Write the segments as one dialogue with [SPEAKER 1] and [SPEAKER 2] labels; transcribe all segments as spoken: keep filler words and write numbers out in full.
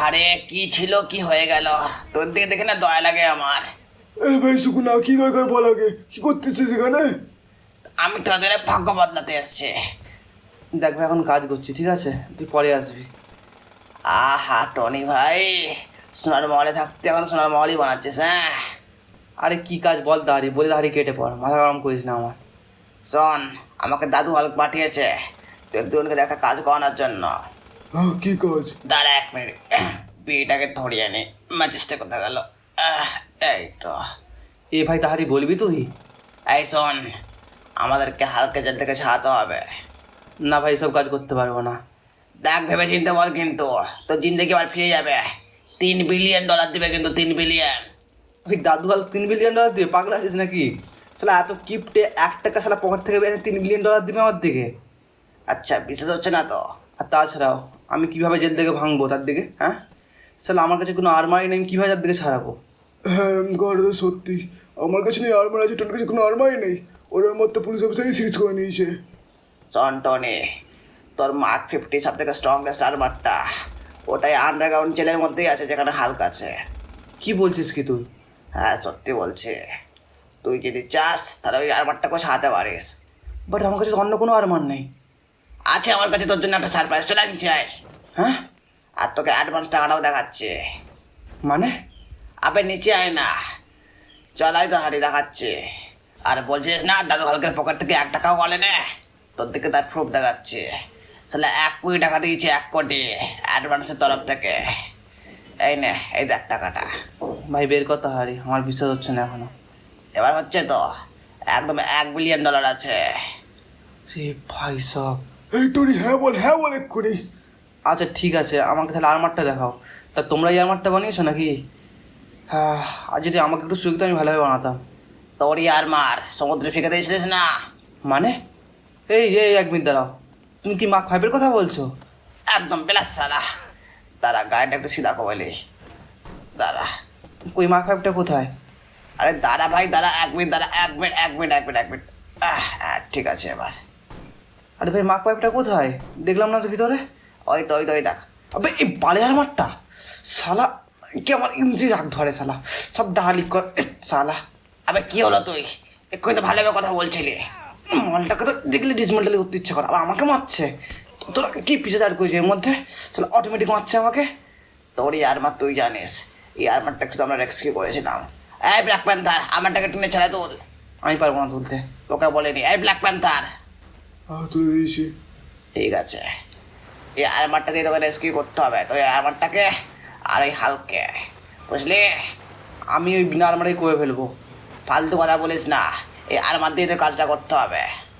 [SPEAKER 1] আরে কি ছিল কি হয়ে গেল, তোর দিকে দেখে না দয়া লাগে আমার।
[SPEAKER 2] এ ভাই সুকুনা, কি দরকার বল আগে, কি করতেছিস এখানে?
[SPEAKER 1] আমি তোদের ভাগ্য বদলাতে এসছি।
[SPEAKER 3] দেখ ভাই, এখন কাজ করছি, ঠিক আছে? তুই পরে আসবি।
[SPEAKER 1] আহা টনি ভাই, সোনার মহলে থাকতে এখন সোনার মহলই বানাচ্ছিস। হ্যাঁ
[SPEAKER 3] আরে কি কাজ বল দাঁড়ি, বলে দাঁড়ি কেটে পড়, মাথা গরম করিস না আমার।
[SPEAKER 1] শোন, আমাকে দাদু হালক পাঠিয়েছে তোর দুজনকে একটা কাজ করানোর জন্য।
[SPEAKER 2] হ্যাঁ, কি কাজ?
[SPEAKER 1] দাঁড়া এক মিনিট, বিয়েটাকে ধরিয়ে নি। ম্যাচেসটা কোথায় গেল? আহ, এই তো।
[SPEAKER 3] এ ভাই তাহারি বলবি তুই?
[SPEAKER 1] এই শোন, আমাদেরকে হালকা জেল থেকে ছাড়াতে হবে।
[SPEAKER 3] না ভাই, সব কাজ করতে পারবো না।
[SPEAKER 1] দেখ ভেবে চিনতে বল, কিন্তু তোর জিন্দগি আবার ফিরে যাবে। তিন বিলিয়ন ডলার দিবে কিন্তু, তিন বিলিয়ন।
[SPEAKER 3] ওই দাদু হাল তিন বিলিয়ন ডলার দিবে? পাগলা আছিস নাকি? শালা এত কিপটে, এক টাকা শালা পকেট থেকে বেরিয়ে তিন বিলিয়ন ডলার দিবে আমার দিকে?
[SPEAKER 1] আচ্ছা, বিশ্বাস হচ্ছে না তো?
[SPEAKER 3] আর তাছাড়াও আমি কীভাবে জেল থেকে ভাঙবো তার দিকে? হ্যাঁ শালা, আমার কাছে কোনো আরমারি নেই, আমি কীভাবে তার দিকে ছাড়াবো?
[SPEAKER 2] হ্যাঁ ঘরে তো সত্যি, আমার কাছে নেই আর্মার, আছে তোর কাছে কোনো আর্মারই নেই। ওর মধ্যে পুলিশ অফিসারই সিরিজ করে নিয়েছে।
[SPEAKER 1] শোন টনি, তোর মার্ক ফিফটি সব থেকে স্ট্রংগেস্ট আর্মারটা ওটাই আন্ডারগ্রাউন্ড জেলের মধ্যেই আছে, যেখানে হালক আছে।
[SPEAKER 3] কি বলছিস কি তুই?
[SPEAKER 1] হ্যাঁ সত্যি বলছি, তুই যদি চাস তাহলে ওই আর্মারটাকে সাহাতে পারিস।
[SPEAKER 3] বাট আমার কাছে তো অন্য কোনো আরমার নেই।
[SPEAKER 1] আছে আমার কাছে তোর জন্য একটা সারপ্রাইজ, চলে আমি চাই।
[SPEAKER 3] হ্যাঁ
[SPEAKER 1] আর তোকে অ্যাডভান্স টাকাটাও দেখাচ্ছে।
[SPEAKER 3] মানে?
[SPEAKER 1] আবে নিচে আয় না, চলাই তো হারি দেখাচ্ছে। আর বলছিস না দাদু হালকের পকেট থেকে এক টাকাও বলে নে, তোর দিকে তার প্রুফ দেখাচ্ছে। আসলে এক কোটি টাকা দিয়েছে, এক কোটি অ্যাডভান্সের তরফ থেকে। এই নে, এই দেখ টাকাটা।
[SPEAKER 3] ভাই বের কথা হারি, আমার বিশ্বাস হচ্ছে না এখনো।
[SPEAKER 1] এবার হচ্ছে তো, একদম এক বিলিয়ন ডলার আছে।
[SPEAKER 3] রে ভাই সব।
[SPEAKER 2] এই টনি, হ্যাঁ বল, হ্যাঁ বল এক্ষুনি।
[SPEAKER 3] আচ্ছা ঠিক আছে, আমাকে তাহলে আরমারটা দেখাও। তা তোমরা এই আরমারটা বানিয়েছো নাকি? হ্যাঁ, আর যদি আমাকে একটু সুযোগ দিত আমি ভালোভাবে বানাতাম।
[SPEAKER 1] তোরই আর মার সমুদ্রে ফেঁকে দিয়েছিলিস না?
[SPEAKER 3] মানে? এই এই এক মিনিট দাঁড়াও, তুমি কি মার্ক ফাইভের কথা বলছো?
[SPEAKER 1] একদম বেলাস সালা। দাঁড়া, গাড়িটা একটু সিধা কমাইলি। দাঁড়া,
[SPEAKER 3] কই মার্ক ফাইভটা কোথায়?
[SPEAKER 1] আরে দাঁড়া ভাই দাঁড়া, এক মিনিট দাঁড়া, এক মিনিট এক মিনিট এক মিনিট এক মিনিট আহ হ্যাঁ, ঠিক আছে এবার।
[SPEAKER 3] আরে ভাই মার্ক ফাইভটা কোথায়? দেখলাম না তো ভিতরে।
[SPEAKER 1] ওই তো ওই তো ওই দেখ।
[SPEAKER 3] আবে এই বালে আরমারটা শালা, কি আমার ইঞ্জি রাগ ধরে শালা, সব ডালি কর এ, শালা।
[SPEAKER 1] আবে কি হলো, তুই এক্ষুনি তো ভালোভাবে কথা বলছিলি।
[SPEAKER 3] মলটাকে তো দেখলে ডিসমেন্টালি করতে ইচ্ছা করে, আবার আমাকে মারছে। তোরা কি পিছিয়ে চার করেছে এর মধ্যে? শালা অটোমেটিক মারছে আমাকে।
[SPEAKER 1] তোরই আরমার তুই জানিস, এই আরমারটা শুধু আমরা রেস্কিউ করেছিলাম। এই ব্ল্যাক প্যান্থার, আমারটাকে টেনে ছেড়ে তোল।
[SPEAKER 3] আমি পারবো না তুলতে।
[SPEAKER 1] তোকে বলিনি, এই ব্ল্যাক প্যান্থার।
[SPEAKER 2] হ্যাঁ তুলে দিয়েছি।
[SPEAKER 1] ঠিক আছে, এই আরমারটা দিয়ে তোকে রেস্কিউ করতে হবে। তো এই আরমারটাকে আর এই হালকে, বুঝলি?
[SPEAKER 3] আমি ওই বিনা আলমারি করে ফেলবো।
[SPEAKER 1] ফালতু কথা বলিস না, এই আরমার দিয়ে তো কাজটা করতে হবে।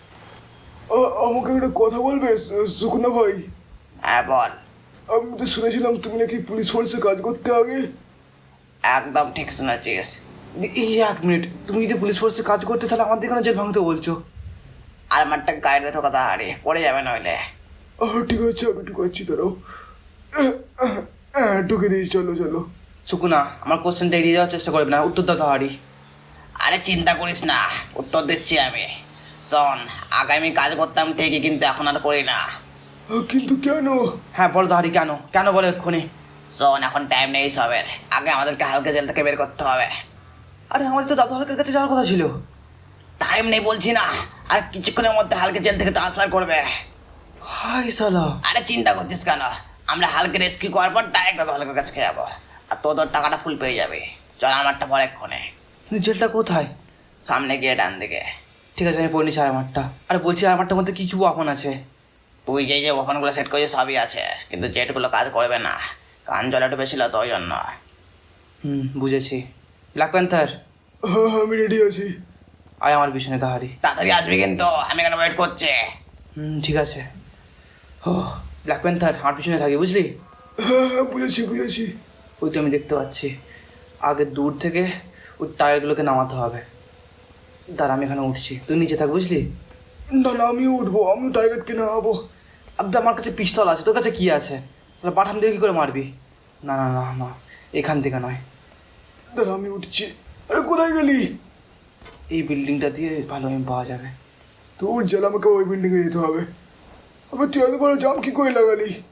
[SPEAKER 2] আ- আমাকে একটা কথা বলবে সু- সুকুনা ভাই?
[SPEAKER 1] হ্যাঁ বল।
[SPEAKER 2] আমি তো শুনেছিলাম তুমি নাকি পুলিশ ফোর্সে কাজ করতে আগে।
[SPEAKER 1] একদম ঠিক শুনেছিস।
[SPEAKER 3] এই এক মিনিট, তুমি যদি পুলিশ ফোর্সে কাজ করতে তাহলে আমার দিকে জেল ভাঙতে বলছো?
[SPEAKER 1] আরমারটা গাড়িতে ঢোকাতে হারি, পড়ে যাবে নইলে।
[SPEAKER 2] আহ ঠিক আছে, আমি ঢুকাচ্ছি, দাঁড়াও। আহ, আহ, আহ, ঢুকে দিয়েছি, চলো চলো।
[SPEAKER 3] সুকুনা, আমার কোশ্চেনটা এড়িয়ে যাওয়ার চেষ্টা করবে না, উত্তর দাও তাহারি।
[SPEAKER 1] আরে চিন্তা করিস না, উত্তর দিচ্ছি আমি। শোন, আগে আমি কাজ করতাম ঠিকই, কিন্তু এখন আর করি না।
[SPEAKER 2] আহ, কিন্তু কেন?
[SPEAKER 3] হ্যাঁ বলো তাহারি, কেন কেন বলো এক্ষুনি।
[SPEAKER 1] শোন, এখন টাইম নেই সবের, আগে আমাদেরকে হালকা জেল থেকে বের করতে হবে।
[SPEAKER 3] আরে আমাদের তো দাদু হালকের কাছে যাওয়ার কথা ছিল।
[SPEAKER 1] টাইম নেই বলছি না, আর কিছুক্ষণের মধ্যে হালকা জেল থেকে ট্রান্সফার করবে।
[SPEAKER 3] হাই সালা।
[SPEAKER 1] আরে চিন্তা করছিস কেন, আমরা হালকা রেস্কিউ করার পর ডাইরেক্ট দাদু হালকের কাছে যাবো, আর তোর তোর টাকাটা ফুল পেয়ে যাবে। চল, আমারটা পরে এক্ষণে।
[SPEAKER 3] জেলটা কোথায়?
[SPEAKER 1] সামনে গিয়ে ডান দিকে।
[SPEAKER 3] ঠিক আছে, আমি পড়ে নিচ্ছি আরমারটা। আরে বলছি আরমারটার মধ্যে কি কি ওয়াপন আছে?
[SPEAKER 1] তুই যে যে ওপেনগুলো সেট করেছিস সবই আছে, কিন্তু জেটগুলো কাজ করবে না, কান জলে ডুবেছিল তো ওই জন্য।
[SPEAKER 3] হুম বুঝেছি। ব্ল্যাক প্যান্থার,
[SPEAKER 2] হ্যাঁ হ্যাঁ, আমি রেডি আছি।
[SPEAKER 3] আয় আমার পিছনে তাহারি।
[SPEAKER 1] তাড়াতাড়ি আসবি কিন্তু, আমি এখানে ওয়েট করছি।
[SPEAKER 3] হুম ঠিক আছে। ও ব্ল্যাক প্যান্থার, আমার পিছনে থাকি বুঝলি?
[SPEAKER 2] হ্যাঁ হ্যাঁ, বুঝেছি বুঝেছি।
[SPEAKER 3] ওই তো আমি দেখতে পাচ্ছি। আগে দূর থেকে ওই টায়ারগুলোকে নামাতে হবে। দাঁড়া, আমি এখানে উঠছি, তুই নিচে থাক বুঝলি?
[SPEAKER 2] না না, আমিও উঠবো, আমিও টার্গেটকে না হবো।
[SPEAKER 3] আবে আমার কাছে পিস্তল আছে, তোর কাছে কি আছে? তাহলে পাঠান দিয়ে কী করে মারবি? না না না না, এখান থেকে নয়।
[SPEAKER 2] দাঁড়া, আমি উঠছি। আরে কোথায় গেলি?
[SPEAKER 3] এই বিল্ডিংটা দিয়ে ভালো আমি পাওয়া যাবে।
[SPEAKER 2] তোর জেল, আমাকে ওই বিল্ডিংয়ে যেতে হবে। আবার তুই এত বড় জাম কি করে লাগালি?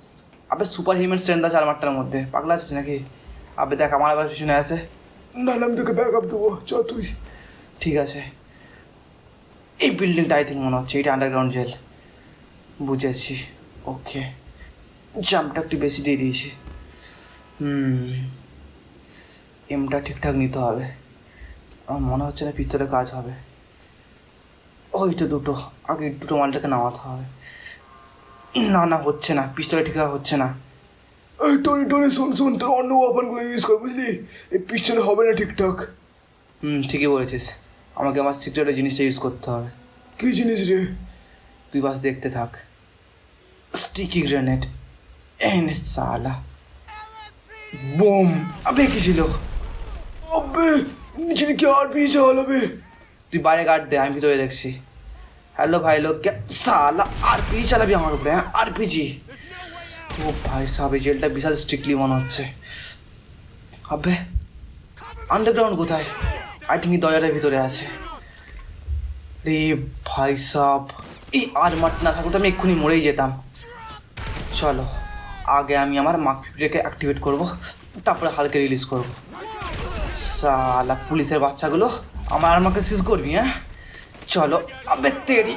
[SPEAKER 3] আবে সুপার হিউম্যান স্ট্রেন্থ আছে আর্মারটার মধ্যে, পাগলা আছিস নাকি? আবে দেখ আমার আবার পিছনে আছে।
[SPEAKER 2] না না আমি তোকে ব্যাক আপ দেবো, চ তুই।
[SPEAKER 3] ঠিক আছে, এই বিল্ডিংটা আই থিঙ্ক মনে হচ্ছে এটা আন্ডারগ্রাউন্ড জেল। বুঝেছি, ওকে। জাম্পটা একটু বেশি দিয়ে দিয়েছি। হুম, এমটা ঠিকঠাক নিতে হবে। আমার মনে হচ্ছে না পিস্তলে কাজ হবে। ওই তো দুটো, আগে দুটো মালটাকে নামাতে হবে। না না হচ্ছে না, পিস্তলে ঠিকঠাক হচ্ছে না।
[SPEAKER 2] এই টনি টনি শোন শোন, তোর অন্য ওয়াপনগুলো ইউজ কর বুঝলি, এই পিছনে হবে না ঠিকঠাক।
[SPEAKER 3] হুম, ঠিকই বলেছিস, আমাকে আমার সিক্রেটের জিনিসটা ইউজ করতে হবে।
[SPEAKER 2] কী জিনিস রে?
[SPEAKER 3] তুই বাস দেখতে থাক। স্টিকি গ্রেনেড এনে সালা। বোম! আবে কি ছিল?
[SPEAKER 2] আবে নিচে নাকি আর পি চালাবে।
[SPEAKER 3] তুই বাইরে গার্ড দে, আমি ভিতরে দেখছি। হ্যালো ভাই লোক, কে সালা আর পি চালাবি আমার উপরে? হ্যাঁ আর পিজি। ও ভাই সাহেব, এই জেলটা বিশাল স্ট্রিক্টলি মনে হচ্ছে। আবে আন্ডারগ্রাউন্ড কোথায়? আই থিঙ্ক এই দরজাটার ভিতরে আছে। রে ভাই সাহেব, এই আর্মার না থাকলে তো আমি এক্ষুনি মরেই যেতাম। চলো আগে আমি আমার মার্কপিটাকে অ্যাক্টিভেট করব, তারপরে হালকে রিলিজ করব। সালা পুলিশের বাচ্চাগুলো আমার আর্মাকে সিজ করবি? হ্যাঁ চলো। আবে তেরি,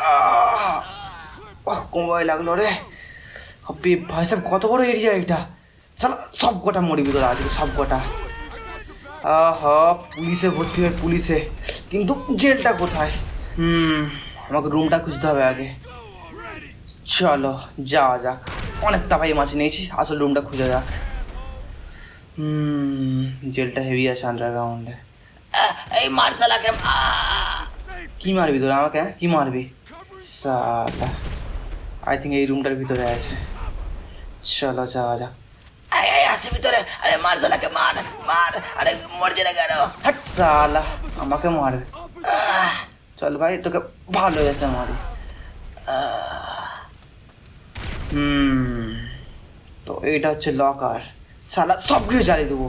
[SPEAKER 3] ওহ কোমরে লাগলো রে। আবে ভাই সাহেব কত বড় এরিয়া এটা! সালা সব কটা মরবি তোরা আজকে, সব কটা। আহা পুলিশে ভর্তি হয় পুলিশে, কিন্তু জেলটা কোথায়? হুম, আমাকে রুমটা খুঁজতে হবে আগে। চলো যাওয়া যাক, অনেক তাপাই মাছ নিয়েছি, আসল রুমটা খুঁজে যাক। হুম, জেলটা হেভি আছে আন্ডারগ্রাউন্ডে।
[SPEAKER 1] এই মার্শালাকে
[SPEAKER 3] কি মারবি তোরা আমাকে? হ্যাঁ কি মারবি? সালা আই থিঙ্ক এই রুমটার ভিতরে আছে। চলো যাওয়া যাক।
[SPEAKER 1] আসে ভিতরে। আরে মার্শালাকে মার মার, আরে মরছে না কেন?
[SPEAKER 3] হাট সালা, আমাকে মারবে? চল ভাই তোকে ভালো এসে মারি। হুম, তো এইটা হচ্ছে লকার। সালা সব কিছু জ্বালিয়ে দেবো।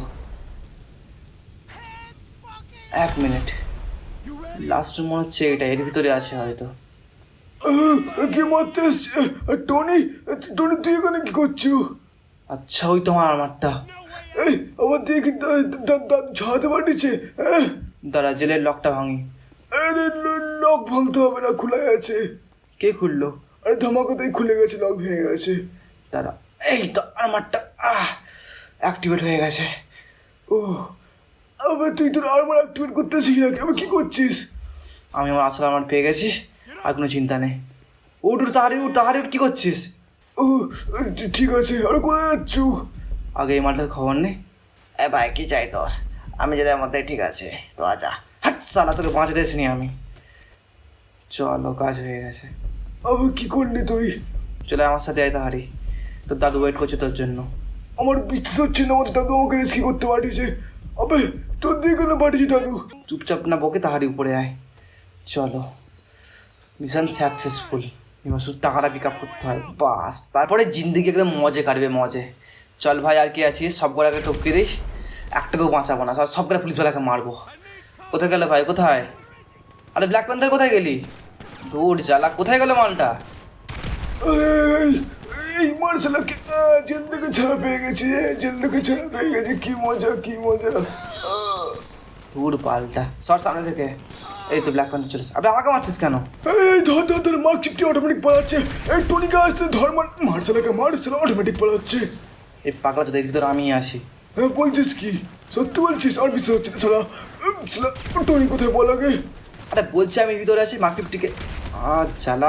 [SPEAKER 3] এক মিনিট, লাস্ট মনে হচ্ছে এটা এর ভিতরে আছে হয়তো।
[SPEAKER 2] কে মারতে এসছে? টনি টনি তুই এখানে কি করছো?
[SPEAKER 3] আচ্ছা ওই তোমার আমারটা।
[SPEAKER 2] এই আমার দেখি দাদু ঝাড়াতে পাঠিয়েছে।
[SPEAKER 3] দাঁড়া জেলের লকটা ভাঙি।
[SPEAKER 2] আরে লক ভাঙতে হবে না, খোলা আছে।
[SPEAKER 3] কে খুললো?
[SPEAKER 2] আরে ধামাকাতেই খুলে গেছে, লক ভেঙে গেছে।
[SPEAKER 3] দাঁড়া, এই তো আমারটা আহ অ্যাক্টিভেট হয়ে গেছে।
[SPEAKER 2] ও আবে তুই তোর আর্মার অ্যাক্টিভেট করতে শিখি নাকি? আমি কি করছিস?
[SPEAKER 3] আমি আমার আসল আমার পেয়ে গেছি, আর কোনো চিন্তা নেই। উঠ উঠ তাহারি উঠ তাহারি উঠ, কী করছিস?
[SPEAKER 2] ও ঠিক আছে, আরে কোথায় যাচ্ছ?
[SPEAKER 3] আগে এই মালটার খবর নেই।
[SPEAKER 1] এ ভাই কি চাই তোর? আমি যেটার মধ্যে ঠিক আছে, তো আজা।
[SPEAKER 3] হাট সালা, তোকে বাঁচাতে এসেনি আমি। চলো কাজ হয়ে গেছে।
[SPEAKER 2] আবে কি করলি তুই?
[SPEAKER 3] চলে আমার সাথে আয় তাহারি, তোর দাদু ওয়েট করছে তোর জন্য।
[SPEAKER 2] আমার বিশ্বাস হচ্ছে না আমার দাদু আমাকে রেস্কি করতে পাঠিয়েছে। আবে তোর দিয়ে কেন পাঠিয়েছি দাদু?
[SPEAKER 3] চুপচাপ না বকে তাহারি উপরে আয়। চলো, মিশন সাকসেসফুল। এবার শুধু টাকাটা পিক আপ করতে হয়, বাস তারপরে জিন্দিগি একদম মজে কাটবে মজে। চল ভাই আর কি আছিস, সব কটাকে টপকে দিই, একটাকেও বাঁচাবো না, সব কটা পুলিশওয়ালাকে মারবো। কোথায় গেলে ভাই কোথায়? আরে ব্ল্যাক প্যান্থার কোথায় গেলি? দূর জ্বালা, কোথায় গেল মালটা?
[SPEAKER 2] এই এই মার্শালাকে জেল থেকে ছাড়া পেয়ে গেছি, জেল থেকে ছাড়া পেয়ে গেছি। কি মজা কি মজা। আহ,
[SPEAKER 3] দূর পাল্টা সর সামনে থেকে। এই তো ব্ল্যাক প্যান্থার চলেছে। আবে আমাকে মারছিস কেন?
[SPEAKER 2] এই ধর ধর ধর, মার চিপটি অটোমেটিক পালাচ্ছে। এই টনিকে আসতে ধর, মার মার্শালাকে মার্শালা অটোমেটিক পালাচ্ছে।
[SPEAKER 3] এই পাগলা তো দেখি তোর আমি আসি।
[SPEAKER 2] হ্যাঁ বলছিস কি? সত্যি বলছিস? আর বিশ্বাস হচ্ছে না ছাড়া। ছাড়া টনি কোথায় বল আগে?
[SPEAKER 3] আরে বলছি আমি ভিতরে আছি, মার্কেটটিকে আর জ্বালা।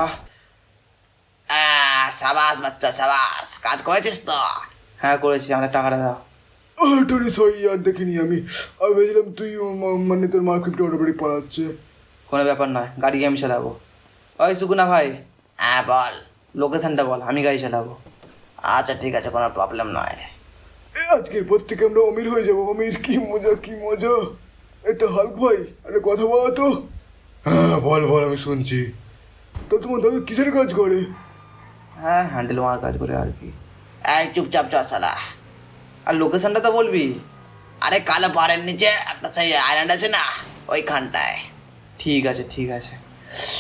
[SPEAKER 1] আহ, সাবাস বাচ্চা সাবাস, কাজ করেছিস তো?
[SPEAKER 3] হ্যাঁ করেছি, আমাদের টাকাটা দাও।
[SPEAKER 2] আহ, টনি সরি আর দেখিনি আমি। আমি ভেবেছিলাম তুই ম- মানে তোর মার্কেটটা অটোমেটিক পালাচ্ছে।
[SPEAKER 3] কোনো ব্যাপার নয়, গাড়ি আমি চালাবো। ওই সুকুনা ভাই,
[SPEAKER 1] হ্যাঁ বল।
[SPEAKER 3] লোকেশনটা বল, আমি গাড়ি চালাবো।
[SPEAKER 1] আচ্ছা ঠিক আছে, কোনো প্রবলেম নয়।
[SPEAKER 2] এ আজকের পর থেকে আমরা অমির হয়ে যাবো। অমির কি মজা কি মজা। এই তো হাল্ক ভাই, একটা কথা বলো তো। হ্যাঁ বল বল, আমি শুনছি। তো তোমার দাদু কিসের কাজ করে?
[SPEAKER 3] হ্যাঁ হ্যান্ডেল মারার কাজ করে আর কি।
[SPEAKER 1] এই চুপচাপ চল শালা।
[SPEAKER 3] আর লোকেশনটা তো বলবি।
[SPEAKER 1] আরে কালো পাহাড়ের নিচে একটা সেই আইল্যান্ড আছে না, ওইখানটায়।
[SPEAKER 3] ঠিক আছে ঠিক আছে।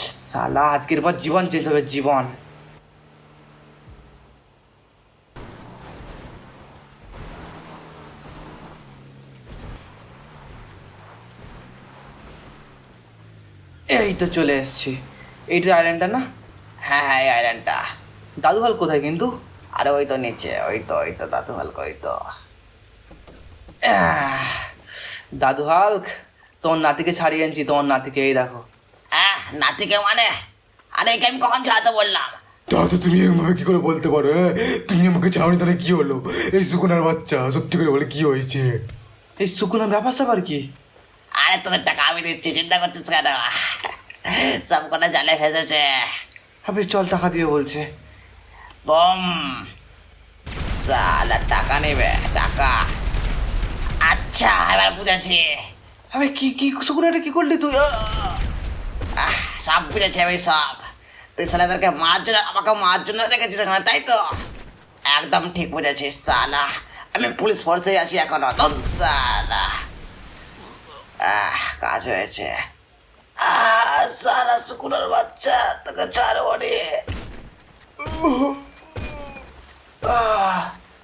[SPEAKER 3] সালা আজকের পর জীবন চেঞ্জ হবে, জীবন। এই তো চলে এসেছি। এইটা আইল্যান্ডটা না?
[SPEAKER 1] হ্যাঁ হ্যাঁ এই আইল্যান্ডটা।
[SPEAKER 3] দাদু হাল কোথায় কিন্তু?
[SPEAKER 1] আরে ওই তো নিচে, ওই তো ওই তো দাদু হালকা, ওই তো।
[SPEAKER 3] আহ, দাদু হাল্ক, তোমার নাতিকে ছাড়িয়ে আনছি, তোমার নাতিকে, এই দেখো।
[SPEAKER 1] আহ নাতিকে মানে? আরে একে আমি কখন ছাড়াতে বললাম?
[SPEAKER 2] দাদু তুমি এরকমভাবে কি করে বলতে পারো? হ্যাঁ, তুমি আমাকে চাওনি, তাহলে কি হলো? এই সুকুনার বাচ্চা, সত্যি করে বলে কি হয়েছে?
[SPEAKER 3] এই সুকুনার ব্যাপার স্যাপার কি?
[SPEAKER 1] আরে তোদের টাকা আমি দিচ্ছি, চিন্তা করছিস কেন? সব কটা জালে ফেসেছে।
[SPEAKER 3] আবে চল, টাকা দিয়ে বলছে।
[SPEAKER 1] বম, সালা টাকা নেবে, টাকা। আচ্ছা এবার বুঝেছি।
[SPEAKER 3] আবে কি কি সুকুনাটা কি করলি তুই? আহ!
[SPEAKER 1] আহ, সব বুঝেছি আমি সব। তুই ছেলেদেরকে মারার জন্য, আমাকে মারার জন্য দেখেছিস এখানে, তাই তো? একদম ঠিক বুঝেছিস সালা। আমি পুলিশ ফোর্সে আছি এখনো, দম সালা। আহ কাজ হয়েছে। আহ সালা শুকুরের বাচ্চা, তোকে ছাড়বো রে। আহ,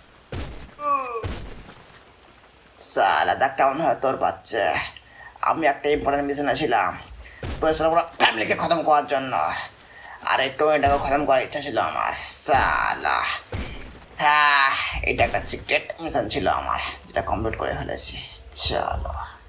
[SPEAKER 1] সালা দেখ কেমন হয় তোর বাচ্চা। আমি একটা ইম্পর্টেন্ট মিশনে ছিলাম, তোর সাথে পুরো ফ্যামিলিকে খতম করার জন্য। আর এই টোয়েন্টাকে খতম করার ইচ্ছা ছিল আমার সালা। হ্যাঁ এটা একটা সিক্রেট মিশন ছিল আমার, যেটা কমপ্লিট করে ফেলেছি। চলো।